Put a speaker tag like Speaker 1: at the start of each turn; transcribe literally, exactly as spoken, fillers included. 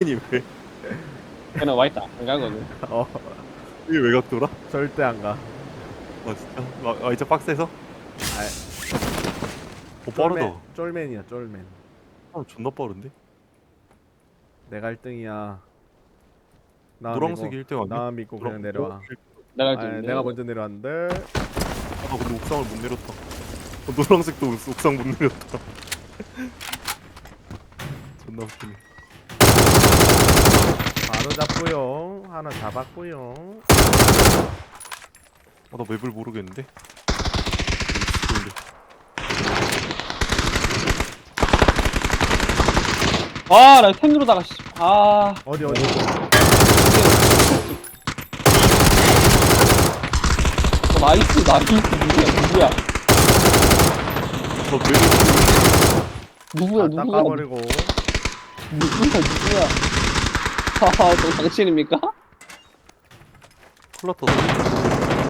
Speaker 1: 니 왜?
Speaker 2: 걔는 와이트 안 가거든.
Speaker 3: 어
Speaker 1: 이게 외곽 돌아?
Speaker 3: 절대 안 가.
Speaker 1: 아 진짜? 아, 아 이제 박스에서?
Speaker 3: 아,
Speaker 1: 어 빠르다.
Speaker 3: 쫄맨이야 쫄맨.
Speaker 1: 아 존나 빠른데?
Speaker 3: 내가 일 등이야. 나
Speaker 1: 노란색이
Speaker 3: 믿고
Speaker 1: 일 등 아니야?
Speaker 3: 나 믿고
Speaker 1: 노랑-
Speaker 3: 그냥 내려와.
Speaker 2: 내가
Speaker 3: 아
Speaker 2: 지금
Speaker 3: 내가 먼저 내려왔는데.
Speaker 1: 아 근데 옥상을 못 내렸다. 어, 노란색도 옥- 옥상 못 내렸다. 존나 웃기네.
Speaker 3: 바로 잡고요. 하나 잡았고요.
Speaker 1: 아 나 맵을 모르겠는데?
Speaker 2: 아, 나 템 누르다가 씨. 아,
Speaker 3: 어디 어디.
Speaker 2: 어, 나이스, 나이스. 누구야,
Speaker 1: 나 맵을
Speaker 2: 누구야? 누구야,
Speaker 3: 다
Speaker 2: 누구야?
Speaker 3: 닦아버리고.
Speaker 2: 누구야, 누구야? 아, 저 당신입니까?
Speaker 1: 큰일 났다.